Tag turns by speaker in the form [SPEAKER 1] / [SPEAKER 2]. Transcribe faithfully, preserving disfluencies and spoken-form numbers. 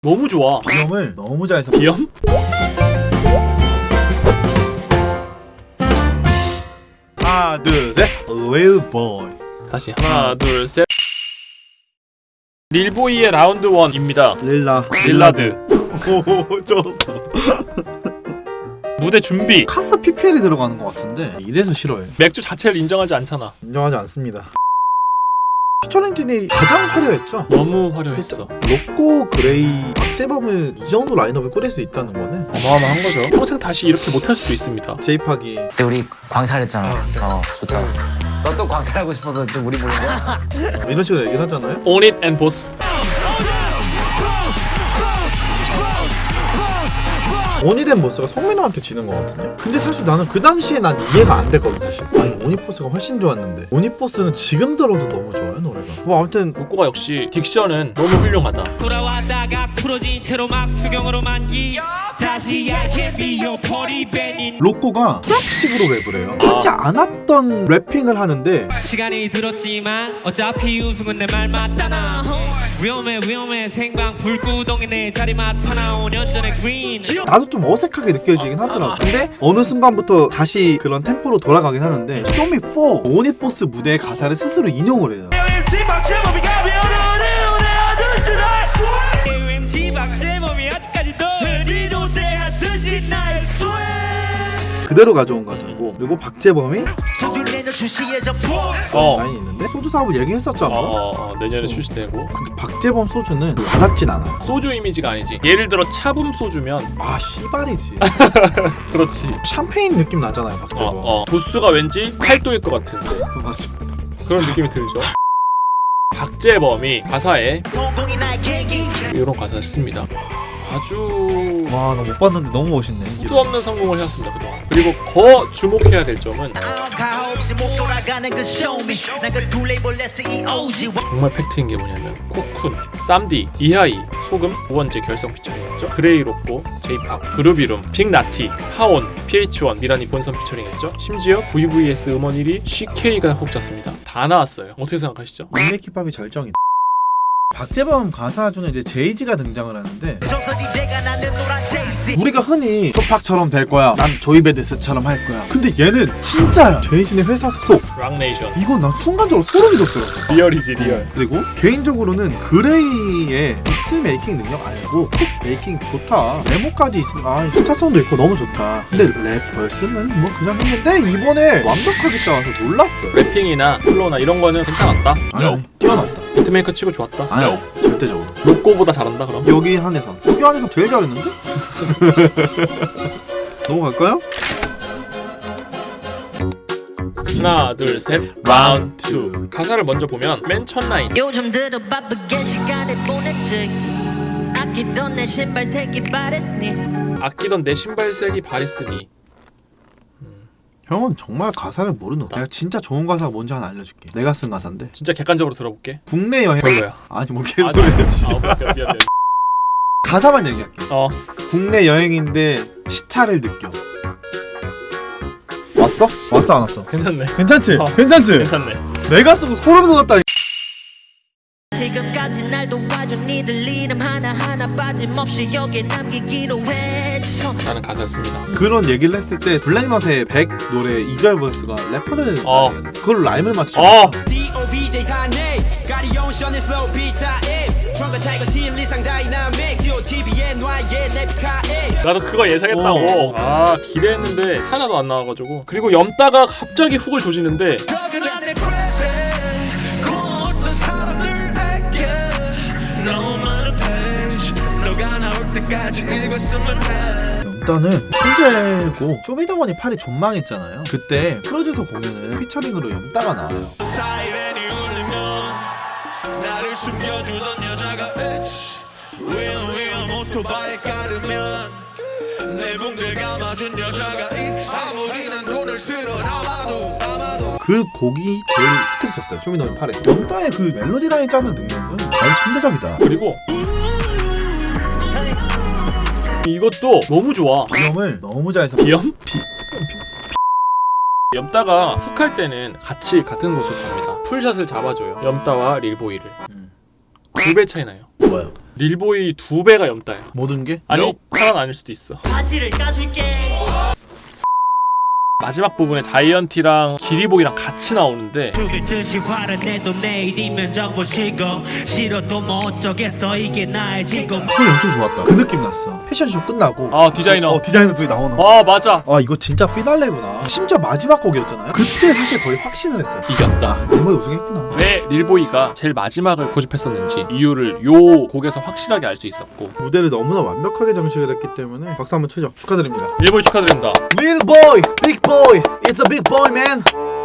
[SPEAKER 1] 너무 좋아.
[SPEAKER 2] 비염을 너무 잘 섞어.
[SPEAKER 1] 비염?
[SPEAKER 2] 하나 둘셋 웨일보이.
[SPEAKER 1] 다시 하나 둘 셋. 릴보이의 라운드 원입니다.
[SPEAKER 2] 릴라
[SPEAKER 1] 릴라드.
[SPEAKER 2] 오 좋았어.
[SPEAKER 1] 무대 준비.
[SPEAKER 2] 카스 피피엘이 들어가는 것 같은데 이래서 싫어해.
[SPEAKER 1] 맥주 자체를 인정하지 않잖아.
[SPEAKER 2] 인정하지 않습니다. 피처링진이 가장 화려했죠.
[SPEAKER 1] 너무 화려했어.
[SPEAKER 2] 로꼬, 그레이, 박재범을 이 정도 라인업을 꾸릴 수 있다는 거는
[SPEAKER 1] 어마어마한 거죠. 평생 다시 이렇게 못할 수도 있습니다.
[SPEAKER 2] 제이팍이
[SPEAKER 3] 그때 우리 광탈했잖아. 어 좋다. 너 또 광탈하고 싶어서 또 우리 부른 거야?
[SPEAKER 2] 이런 식으로 얘기를 하잖아요.
[SPEAKER 1] On it and boss.
[SPEAKER 2] 오니덴 보스가 성민호한테 지는 거거든요. 근데 사실 나는 그 당시에 난 이해가 안 됐거든 사실. 아니 오니포스가 훨씬 좋았는데 오니포스는 지금 들어도 너무 좋아요 노래가. 뭐 아무튼
[SPEAKER 1] 로꼬가 역시 딕션은 너무 훌륭하다.
[SPEAKER 4] 돌아왔다가 풀어진 채로 막 수경으로 만기 다시 알게 비어 퍼리베닌
[SPEAKER 2] 로꼬가 트랩식으로 랩을 해요. 하지 않았던 래핑을 하는데
[SPEAKER 4] 시간이 들었지만 어차피 우승은 내 말 맞잖아. 위험해 위험해 생방 불구덩이 내 자리 맡아나 오 년 전에 그린.
[SPEAKER 2] 나도 좀 어색하게 느껴지긴 하더라고. 근데 어느 순간부터 다시 그런 템포로 돌아가긴 하는데 쇼미 사 오니포스 무대의 가사를 스스로 인용을 해요. 그대로 가져온 가사고, 그리고 박재범이
[SPEAKER 1] 어.
[SPEAKER 2] 라인이 있는데 소주 사업을 얘기했었잖아.
[SPEAKER 1] 어, 어, 어, 내년에 출시되고.
[SPEAKER 2] 근데 박재범 소주는 와닿진 않아.
[SPEAKER 1] 소주 이미지가 아니지. 예를 들어 차붐 소주면
[SPEAKER 2] 아 씨발이지.
[SPEAKER 1] 그렇지.
[SPEAKER 2] 샴페인 느낌 나잖아요
[SPEAKER 1] 어,
[SPEAKER 2] 박재범.
[SPEAKER 1] 어. 도수가 왠지 팔 도일 것 같은데
[SPEAKER 2] 맞아.
[SPEAKER 1] 그런 느낌이 들죠. 박재범이 가사에 이런 가사를 씁니다. 아주
[SPEAKER 2] 와 나 못 봤는데 너무 멋있네.
[SPEAKER 1] 수도 없는 성공을 해왔습니다 그동안. 그리고 더 주목해야 될 점은 정말 팩트인 게 뭐냐면 코쿤, 쌈디, 이하이, 소금, 오원재 결성 피처링했죠. 그레이 로꼬, 제이팍, 그루비룸, 빅나티, 하온, 피에이치 원, 미란이 본선 피처링했죠. 심지어 브이브이에스 음원 일 위 씨케이가 훅 잤습니다. 다 나왔어요. 어떻게 생각하시죠?
[SPEAKER 2] 인맥힙합이 절정이다. 박재범 가사 중에 이제 제이지가 등장을 하는데 우리가 흔히 조팍처럼 될 거야, 난 조이베데스처럼 할 거야. 근데 얘는 진짜야. 제이지네 회사 소속.
[SPEAKER 1] 락네이션.
[SPEAKER 2] 이거 난 순간적으로 소름이 돋더라고.
[SPEAKER 1] 리얼이지 리얼.
[SPEAKER 2] 그리고 개인적으로는 그레이의 비트 메이킹 능력 아니고 훅 메이킹 좋다. 메모까지 있으니까 아, 스타성도 있고 너무 좋다. 근데 랩 벌스는 뭐 그냥 했는데 이번에 완벽하게 따라서 놀랐어요.
[SPEAKER 1] 래핑이나 플로우나 이런 거는 괜찮았다.
[SPEAKER 2] 아니 뛰어났다.
[SPEAKER 1] 비트메이커 치고 좋았다.
[SPEAKER 2] 아니 절대적으로.
[SPEAKER 1] 로꼬보다 잘한다 그럼?
[SPEAKER 2] 여기 한해선 여기 한해선 제일 잘했는데? 넘어갈까요?
[SPEAKER 1] 하나 둘 셋 라운드 투. 가사를 먼저 보면 맨 첫 라인
[SPEAKER 5] 요즘 들어 바쁘게 시간을 보냈지 아끼던 내 신발 색이 바랬으니
[SPEAKER 1] 아끼던 내 신발색이 바랬으니.
[SPEAKER 2] 형은 정말 가사를 모르는 거야. 내가 진짜 좋은 가사가 뭔지 하나 알려줄게. 내가 쓴 가사인데
[SPEAKER 1] 진짜 객관적으로 들어볼게.
[SPEAKER 2] 국내 여행
[SPEAKER 1] 별로야.
[SPEAKER 2] 아니 뭐
[SPEAKER 1] 아니,
[SPEAKER 2] 개소리지.
[SPEAKER 1] 아, 미안, 미안, 미안.
[SPEAKER 2] 가사만 얘기할게.
[SPEAKER 1] 어
[SPEAKER 2] 국내 여행인데 시차를 느껴. 왔어? 왔어 안 왔어?
[SPEAKER 1] 괜찮네.
[SPEAKER 2] 괜찮지?
[SPEAKER 1] 어.
[SPEAKER 2] 괜찮지?
[SPEAKER 1] 괜찮네.
[SPEAKER 2] 내가 쓰고 소름 돋았다.
[SPEAKER 5] 지금까지 날 도와준 니들 이름 하나하나 빠짐없이 여기에 남기기로 했어
[SPEAKER 1] 라는 가사를 씁니다.
[SPEAKER 2] 그런 얘기를 했을 때 블랙넛의 백 노래 이 절 버스가 래퍼들
[SPEAKER 1] 어.
[SPEAKER 2] 그걸 라임을 맞추죠.
[SPEAKER 1] 어 나도 그거 예상했다고.
[SPEAKER 2] 어.
[SPEAKER 1] 아 기대했는데 하나도 안 나와가지고. 그리고 염따가 갑자기 훅을 조지는데
[SPEAKER 2] 염따는 천재고 쇼미더머니 팔이 존망했잖아요. 그때 프로듀서 공연을 피처링으로 염따가 나와요.
[SPEAKER 4] 사이렌이 울리면 나를 숨겨주던 여자가 위험 위험 오토바이에 깔으면 내 붕대를 감아준 여자가 아무리 난 돈을 쓸어 담아도
[SPEAKER 2] 그 곡이 제일 히트를 쳤어요. 쇼미더머니 팔에서. 염따의 그 멜로디 라인 짜는 능력은 과연 천대적이다.
[SPEAKER 1] 그리고 이것도 너무 좋아.
[SPEAKER 2] 비염을 너무 잘 섞어.
[SPEAKER 1] 비염? 염따가 훅 할 때는 같이 같은 곳으로 갑니다. 풀샷을 잡아줘요. 염따와 릴보이를.
[SPEAKER 2] 음.
[SPEAKER 1] 두 배 차이 나요.
[SPEAKER 2] 뭐야?
[SPEAKER 1] 릴보이 두 배가 염다야.
[SPEAKER 2] 모든 게?
[SPEAKER 1] 아니 하나는 아닐 수도 있어.
[SPEAKER 5] 바지를 까줄게.
[SPEAKER 1] 마지막 부분에 자이언티랑 기리보이랑 같이 나오는데
[SPEAKER 4] 죽일 듯이 화를 내도 내일이면 정보시고 싫어도 뭐 어쩌겠어 이게 나의 직업.
[SPEAKER 2] 그건 엄청 좋았다. 그 느낌 났어. 패션쇼 끝나고
[SPEAKER 1] 아 디자이너.
[SPEAKER 2] 어, 디자이너들이 나오는 거.
[SPEAKER 1] 아 맞아.
[SPEAKER 2] 아 이거 진짜 피날레구나. 심지어 마지막 곡이었잖아요. 그때 사실 거의 확신을 했어요.
[SPEAKER 1] 이겼다.
[SPEAKER 2] 멤버이 우승했구나.
[SPEAKER 1] 왜 릴보이가 제일 마지막을 고집했었는지 이유를 요 곡에서 확실하게 알 수 있었고.
[SPEAKER 2] 무대를 너무나 완벽하게 장식을 했기 때문에 박수 한번 치죠. 축하드립니다.
[SPEAKER 1] 릴보이 축하드립니다.
[SPEAKER 2] Little boy, big boy, it's a big boy man.